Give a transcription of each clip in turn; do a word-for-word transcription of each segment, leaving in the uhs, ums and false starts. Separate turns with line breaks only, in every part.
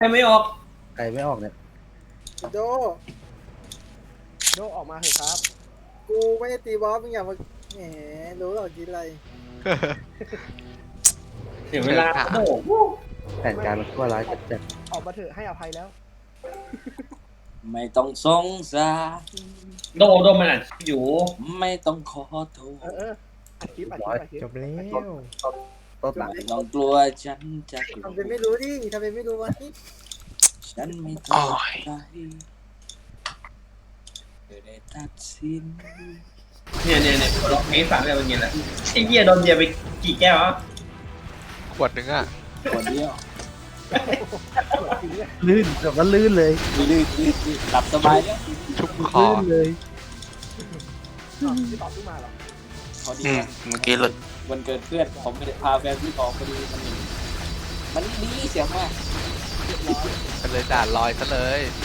ให้ไม่ออก
ใครไม่ออกเนี่ย
โด
โดออกมาเถอะครับ
กูไม่ได้ตีบอสมึงอย่ามาแหมรู้หรอกกินอะไร
เสียเวลาโอ้โห
แผนการมันชั่วร้ายจัด
ออกมาเถอะให้อภัยแล้ว
ไม่ต้องสงสาร
โดโดมันอ่านอยู่
ไม่ต้องขอโท
เออ
ษ
เอออัดคลิปอัดคลิปอัดคลิป
จบแล้ว
ๆต้นหลัง
ไม่ต้องกลัวฉันจะกลัว
ทำเป็นไม่รู้ดิทำเป็นไม่รู้วะ
ฉันไม่ต้องใจเธอได้ตัดสิน
เนี่ยเนี่ยเนี่ยล็อกเมสสามเนี่ยเป็นไงล่ะไอ้เหี้ยโดนเบียร์ไปกี่แก้ววะ
ขวดหนึ่งอ่ะ
คนเดียว
ลื่นแบบว่าลื่นเลย
ลื่นลื่นลื่นหลับสบายแล้ว
ชุบคอ
ลื่นเลย
อ้าวพี่ตอบขึ้นมาเหรอ
พอดี
อืมเมื่อกี้หลุด
วันเกิดเพื่อนผมไม่ได้พาแฟนพี่ออกพอดีมันหนีมันดีเสียงมาก
ก็เลยด่าลอยซะเลย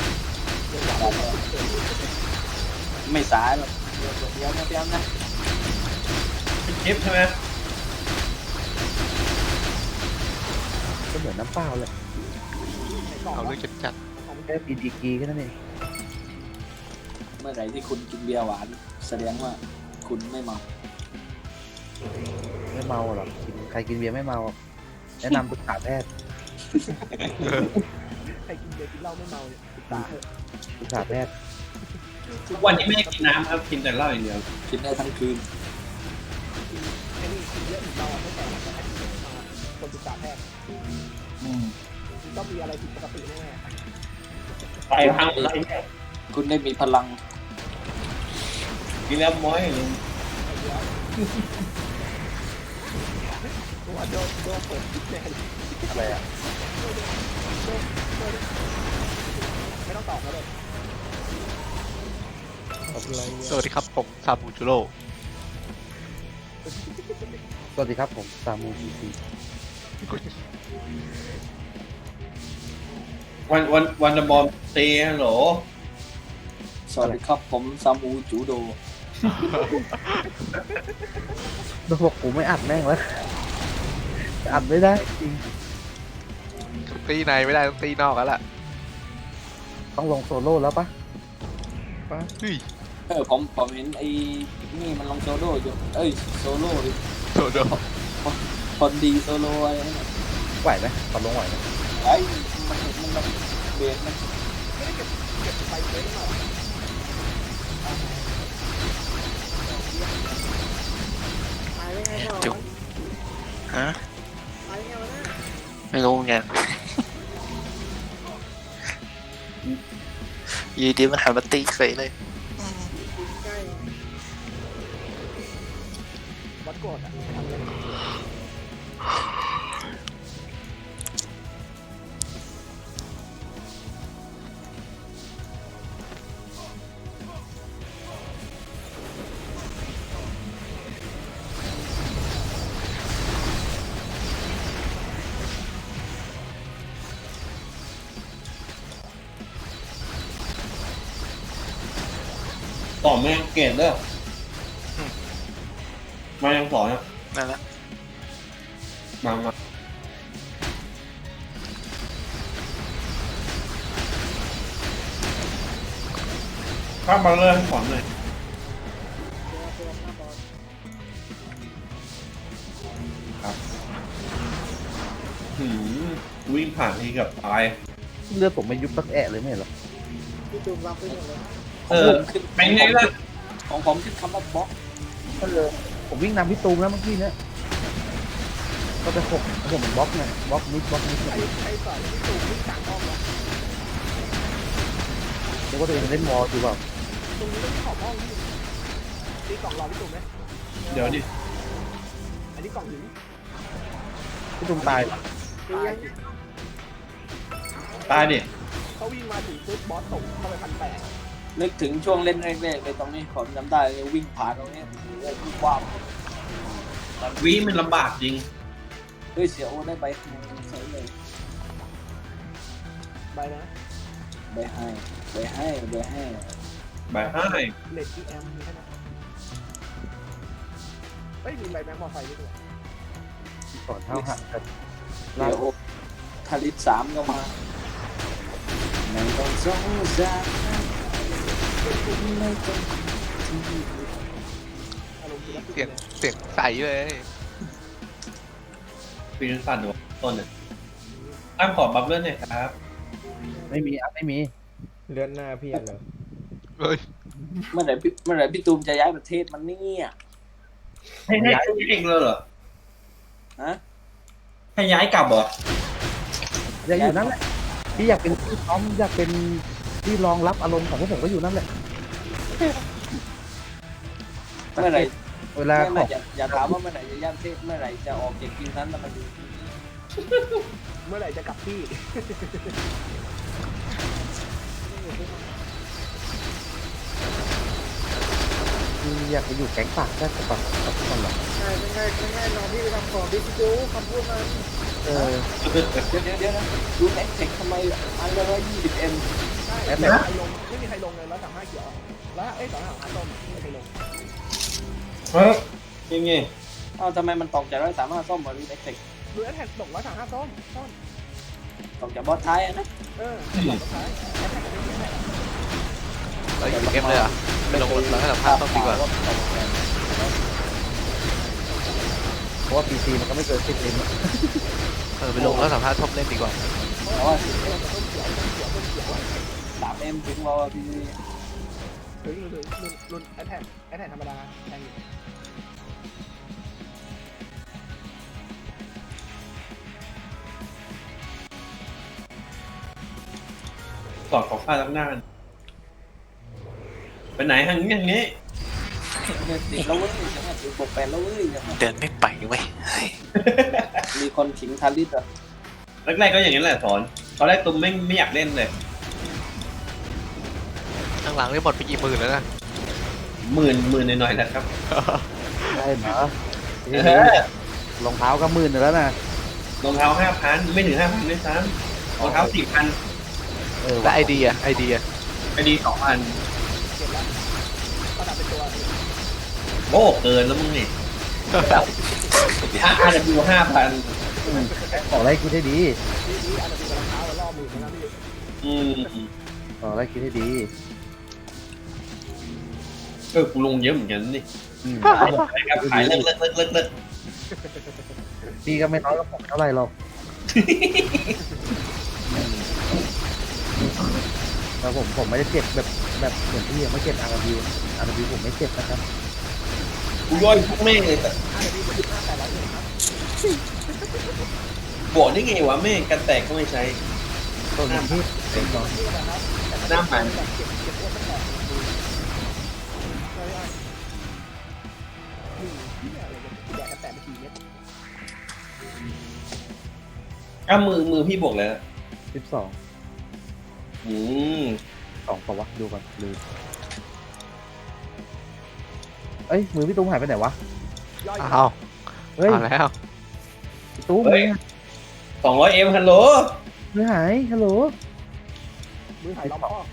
ไม่สายหรอกเดี๋ยวเดี๋ยวนะเดี๋ยวนะ
เป็นคลิปใช่ไหม
ก็เหมือนน้ำเปล่าเลย
ในกล่อง
เอา
วะ
เรื่องจัด
แค่ปีดีกรีแค่นั้นเอง
เมื่อไหร่ที่คุณกินเบียร์หวาน แสดงว่าคุณไม่เมา
ไม่เมาหรอกกินใครกินเบียร์ไม่เมาหรอกแนะนำปรึกษาแพทย์
ใครกินเบียร์กินเหล้าไม่เมาเนี่ยติดตาเถอะ
ปรึกษาแพทย์
ทุกวันนี้ไม่ได้กินน้ำครับกินแต่เหล้าอย่างเดียว
กินได้ทั้งคืน
กินไอ้นี่กินเยอะอีกเราไม่แต่งแต่กินไม่มาคนศึกษาแพทย์ต้องมีอะไรผิดปกติแน่
ไตพังอะไรเนี่ย
คุณได้มีพลัง
กินแล้วม้อยเลย
ๆไอ้เดียวตัวโดนโดนเปิดคลิปแน่เลย
อะไรอ่ะ
ไม่ต้องตอบแล้วเลย
สวัสดีครับผมซาบูจูโร่
สวัสดีครับผมซามูจีซี
วันวันวันบอลเตะฮัลโหล
สวัสดีครับผมซามูจูโด
ต้องบอกกูไม่อัดแม่งแล้วอัดไม่ได้จริง
ตีในไม่ได้ต้องตีนอกแล้วล่ะ
ต้องลงโซโล่แล้วปะ
ป้าเฮ้ย
เออผมผมเห็นไอ้นี่มันลงโซโล่อยู่เอ้ยโซโล่ดิ
โดด
คนดีโซโล่อะไรนั่นน่ะ
ไหวไหมตอนลงไหวไหม
ไอ้มันมันมันเบสมัน
ไม่ได้เก็บเก็บไปเยอะหน่อย
ตายได้ไงก่อน
จุ๊บ ฮะ
ตายได้ไงวะน่ะ
ไม่รู้เหมือนกันอยีดีมันหันมาตีเฉยเลย
ใกล้
วัดโกรธอ่ะทำเลย
ต่อแม่งเกตเด้อมายังสอนอ่ะ
นั่นแหละ
มามาข้ามมาเลยให้สอนหน่อย
ตัวตัวหน้าบอส
หืมวิ่งผ่านทีเกับตาย
เลือดผมไม่ยุบสักแอะเลยไม่เห็นหรอ
พี่ตูมรับไปหมดเลย
เออเป็นไงล่ะ
ของผมขึ้นคำว่าบล็อก
ก็เลยผมวิ่งนำพี่ตูมแล้วเมื่อกี้เนี่ยก็ไปหกผมบล็อกเนี่ยบล็อกนิดบล็อกนิดเนี่ย
ไอ้ไอ้สอนที่ตูมวิ่งกลางห้องแล้ว
เดี๋ยวก็ตัวเองเล่นวอลอยู่เปล่า
ตรงนี้ไม่ใช่ขอบห้องพี่ตีกล่องรอพี่ตูมไหม
เดี๋ยวดิ
อันนี้กล่องหิน
พี่ตูมตาย
ตียัง
ตายดิ
เขาวิ่งมาถึงปุ๊บบอสตกเข้าไปพันแปด
นึกถึงช่วงเล่นแรกๆเลยตรงนี้ผมจำได้เลยวิ่งผ่านตรงนี้วิ่งว้าว
วิมันลำบากจริง
เฮ้ยเสียโอได้ไปเฉยเลย
ไปนะ
ไปให้ไปให้ไปให้
บายให้
เลดอีแอมมีแค่นั้นเฮ้ยมีใบแม็กมอไซค์ด้วย
สอนเท่าหักกัน
เดี๋ยวทาริสสามก็มาสงสาร
อารมณ์ดีแล้ว
เสียงเสียงใสเลย
ปีนสั่นหัวต้นเนี่ยอ้ามขอบัฟเลื่อนหน่อยครับ
ไม่มีอ่ะไม่มี
เลื่อนหน้าพี่เหรอ
เฮ้ย
เมื่อไหร่พี่เมื่อไหร่พี่ตูมจะย้ายประเทศมันเนี่ย
ให้ให้ให้เองเลยเหรอ
ฮะ
ให้ย้ายกลับเหรอ
อยากอยู่นั่นแหละพี่อยากเป็นที่พร้อมอยากเป็นที่รองรับอารมณ์ของพวกผมก็อยู่นั่นแหละ
เมื่อไหร่
เวลา
ไม่
ข
ไม่
อง
อย่าอย่าถามว่าเมื่อไหร่จะย้ายประเทศเมื่อไหร่จะออกจากคิวนั้นแล้วมาดู
เมื่อไหร่จะกลับที่
อยากไปอยู่แก๊งปากแค่กับกับทุกคนหรอก
ใช่ไม่ง่ายไม่ง่ายน้องพี่ไปทำของดิจิทัลคำพูดมัน
เออ
เดี๋ยวเดี๋ยวเดี๋ยวนะดูแอคเทคทำไมอันละร้อยยี่สิบเอ็ม
ใช่ไม่มีใครลงไม่มีใครลงเลยร้อยสามห้าเขียวแล้วเอ้ยสองห้าสามส้มไม่มีใครลง
เฮ้ยยังไง
อ้าวทำไมมันตกจากร้อยสามห้าส้มมาดูแอคเทค
ดูแอดแท็กตกร้อยสามห้าส้มส้ม
ตกจากบอสท้ายอะนะ
เออตกสุดท้ายแอดแท็กไม่มีแอดแท็ก
เราอยู่เกมเลยเหรอ่ะไปลงเราให้สัมภาษณ์ต้องดีกว่า
เพราะว่าพีซีมันก็ไม่เกินสิบเอ็ม
เออไปลงแล้วสัมภาษณ์ท็อปเล่นดีกว่า
เพราะว่าสามเอ็มถึงเราพี่
ถึงถึงรุ่นรุ่นแอดแท็กแอดแท็กธรรมดาแทงอยู่
สอดของข้าตั้งหน้าไปไหนทางนี้อย่างนี้
ติดแล้วเว้ยจะมาติดบวกแปดแล้วเว้ย
เดินไม่ไปเว้ยเฮ้ย
มีคนขิงทาริสอ่ะ
แรกๆก็อย่างนี้แหละสอนตอนแรกตุ้มไม่ไม่อยากเล่นเลย
ข้างหลังนี่หมดไปกี่หมื่นแล้วนะ
หมื่นหมื่นหน่อยๆนะครับ
ได้เหรอ
เออ
รองเท้าก็หมื่นแล้วนะ
รองเท้าห้าพันไม่ถึงห้าพันด้วยซ้ำรองเท้าสี่พัน
เออ
และไอเดียไอเดีย
ไอดีสองพัน
เก็บแล้วประดับเป็นตัว
โอ้เกินแล้วมึงนี่ถ้าอาร์ดับยูห้าพัน
ขออะไรคิดให้ดี
นี่นี่อาจจะมีรองเท้าแล้วรอบมือนะพี่
อืม
ขออะไรคิดให้ดี
เออกูลงเยอะเหมือนกันนี่
อืม
ครับขายเลิกเลิกเลิกเลิกเลิก
พี่ก็ไม่น้อยกับผมเท่าไหร่หรอกแต่ผมผมไม่ได้เจ็บแบบแบบเหมือนพี่ยังไม่เจ็บอาร์บิวอาร์บิวผมไม่เจ็บนะครับ
กูย่อยพวกแม่งเลยแต่
อาจจะมีคนที่ห้าแปดร้อยเลยครับ
บอกได้ไงวะแม่งกันแตกก็ไม่ใช้
ตัวนี้ที่เป็นน้อย
นี่นะครับ
หน้ามัน
แบบเก็บเก็บอ้วนตั้งแต่ดูใช่ไหมนี่ที่อะไรเนี่ยแดกกันแต่ไม่กี่เม็ด
อ้ามือมือพี่บวกเลย
สิบสอง
อืม
สองปะวะดูก่อนลืมเอ้ยมือพี่ตุ้มหายไปไหนวะ
ย่อย
อ้าว
เฮ้ย
เอาแล้ว
พี่ตุ้มมือ
สองร้อยเอ็มฮัลโหล
มือหายฮัลโหล
มือหายล้อมพ่อ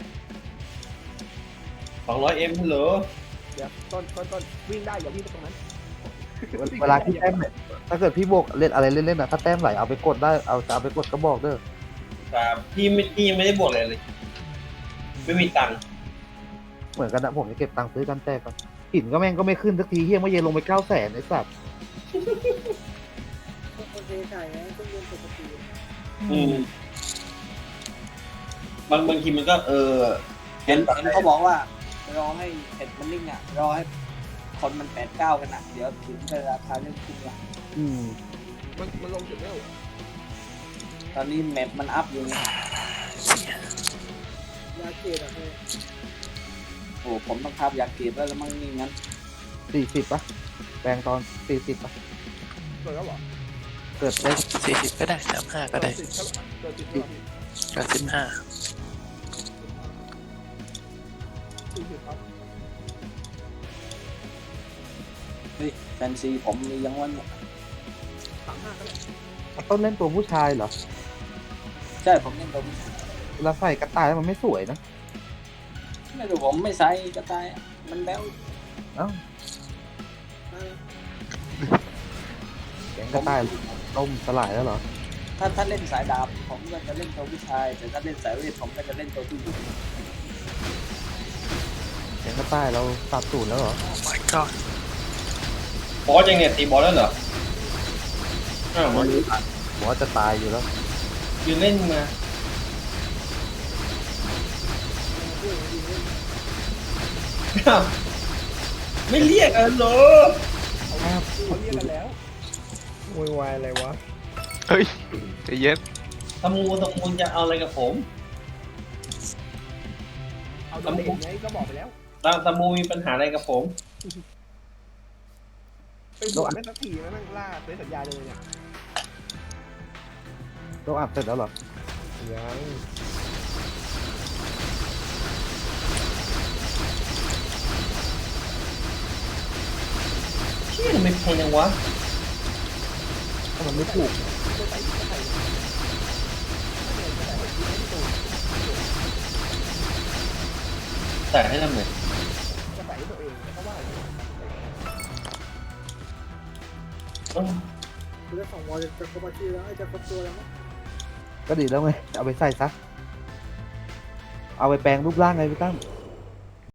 สองร้อยเอ็มฮัลโหล
เดี๋ยวต้นต้นต้นวิ่งได้อย่าวิ่งไปตรงนั้น
เวลาที่แต้มเนี่ยถ้าเกิดพี่บวกเล่นอะไรเล่นๆนะถ้าแต้มไหลเอาไปกดได้เอาจะเอาไปกดก็บอกเด้อ
ครับพี่ไม่พี่ยังไม่ได้บวกอะไรเลย ไม่มีตังค์
เหมือนกันนะผมจะเก็บตังค์ซื้อกันแต้มกันหินก็แม่งก็ไม่ขึ้นสักทีเฮียเมื่อเย็นลงไปเก้าแสนไอ้สัตว์
โอเคถ่ายไงต้องเรียนปกติ
อืมบางบางทีมันก็เออ
เห็นเห็นเขาบอกว่ารอให้เห็ดมันนิ่งอ่ะรอให้คนมันแปดเก้ากันอ่ะเดี๋ยวถึงจะราคาเริ่มขึ้นละ
อืม
มันมันลงจุดเร็ว
ตอนนี้แมปมันอัพอยู่ไง
ยาเกตอ่ะเฮ้ย
โอ้ผมต้องทับอยากเก็บแล้วละมั้งนี่งั้น
สี่สิบปะแปลงตอนสี่สิบปะ
เกิดแล้วเหรอ
เกิดได้
สี่สิบก็ได้สามห้าก็ได้
เกิดสิบเกิดสิบเกิดสิบ
ก็สิบห้า
สี่สิบครับ
เฮ้ยแฟนซีผมมียังวันเนี่ย
สามห้าก็ได้
ต้นเล่นตัวผู้ชายเหรอ
ใช่ผมเล่นตัวนี้
เวลาใส่กระต่ายมันไม่สวยนะ
ไม่รู้ผมไม่ใส่กระต่ายมันแบ้ว
เอ้า
ได้
แกงกระต่ายล่มสลายแล้วเหรอ
ถ้าถ้าเล่นสายดาบผมก็จะเล่นตัวผู้ชาย แต่ถ้าเล่นสายเวทผมก็จะเล่นตัวผู้หญิง
เสียงกระต่ายเราปรับสูตรแล้วเหรอ
โอ้ my god
บอสยังเนี่ยตีบอสแล้วเหรออ้าวมัน
ผมว่าจะตายอยู่แล้ว
ยืนเล่นมาอ้าวไม่เรียกกันเหรอ
เขาเขาเรียกกันแล้วโวยวายอะไรวะ
เฮ้ยใจเย็น
ตะมูตะมูจะเอาอะไรกับผม
เอาโดนเด็กไงก็บอกไปแล้ว
ตะตะมูมีปัญหาอะไรกับผม
เป็นบวชไม่สักทีนะนั่งล่าเซ็นสัญญาเลยเนี่ย
ต้องอัดเสร็จแล้วเหรอ
ยัง
เชี่ยทำไมแพงจังวะ
ถ้ามันไม่ถูก
จะใส่จะใส่จะใส่ให้ตู
แต่ให้ทำไง
จะใส่ให้ตัวเองเพราะว่า
เอ้า
คือเรื่องของวอลจะจะครบอาชีพแล้วไอ้จะครบตัวแล้วมั้ง
ก็ดีแล้วไง เอาไปใส่ซะ เอาไปแปลงรูปร่างไงพี่ตั้ม